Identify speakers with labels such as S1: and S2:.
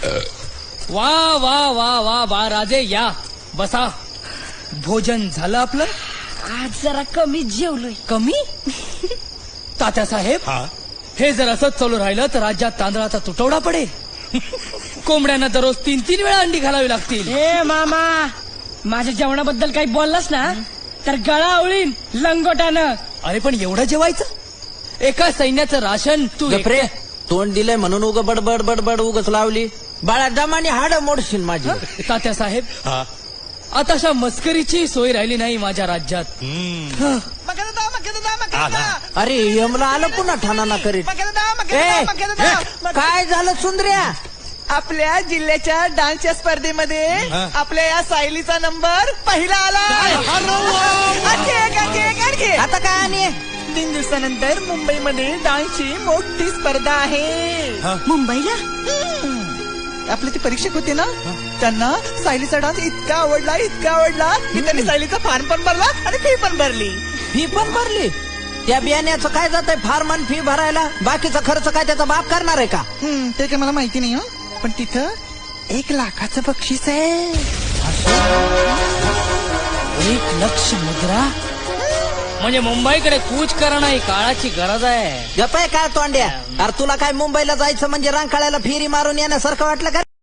S1: वा वा वा वा वा राजे या बसा. भोजन झालं आपलं?
S2: आज जरा कमी जेवलोय.
S1: कमी? तात्यासाहेब हे जर असंच चालू राहिलं तर राज्यात तांदळाचा तुटवडा पडेल. कोंबड्यांना दररोज 3-3 वेळा अंडी घालावी लागतील.
S2: ए मामा, माझ्या जेवणाबद्दल काही बोललास ना तर गळा आवळीन लंगोटानं.
S1: अरे पण एवढं जेवायचं? एका सैन्याचं राशन तू
S3: गप्रे, तोंड दिलंय म्हणून उग बडबड बडबड उगच लावली. बाळा दमाने हाड मोडशील माझी.
S1: तात्यासाहेब आता अशा मस्करीची सोय राहिली नाही माझ्या राज्यात.
S3: अरे यमला आलं पुन्हा ठाणा करीत. काय झालं सुंदर्या?
S4: आपल्या जिल्ह्याच्या डान्सच्या स्पर्धेमध्ये आपल्या या सायलीचा नंबर पहिला आला.
S3: आता काय आणि
S4: 3 दिवसानंतर मुंबईमध्ये डान्सची मोठी स्पर्धा आहे.
S2: मुंबईला
S4: आपले ते परीक्षक होते ना, त्यांना सायलीचा डान्स इतका आवडला की त्यांनी सायलीचा फॉर्म पण भरला आणि फी पण भरली.
S3: फी पण भरली? त्या बियाण्याचं काय जातंय फार्मन फी भरायला? बाकीचा खर्च काय त्याचा बाप करणार आहे का?
S4: ते काय मला माहिती नाही पण तिथं 1 लाखाचं बक्षीस आहे.
S1: 1 लाख मुद्रा म्हणजे मुंबईकडे कूच करणं ही काळाची गरज आहे.
S3: गपाय काय तोंड्या? अरे तुला काय मुंबईला जायचं म्हणजे रांकाळ्याला फेरी मारून येण्यासारखं वाटलं का?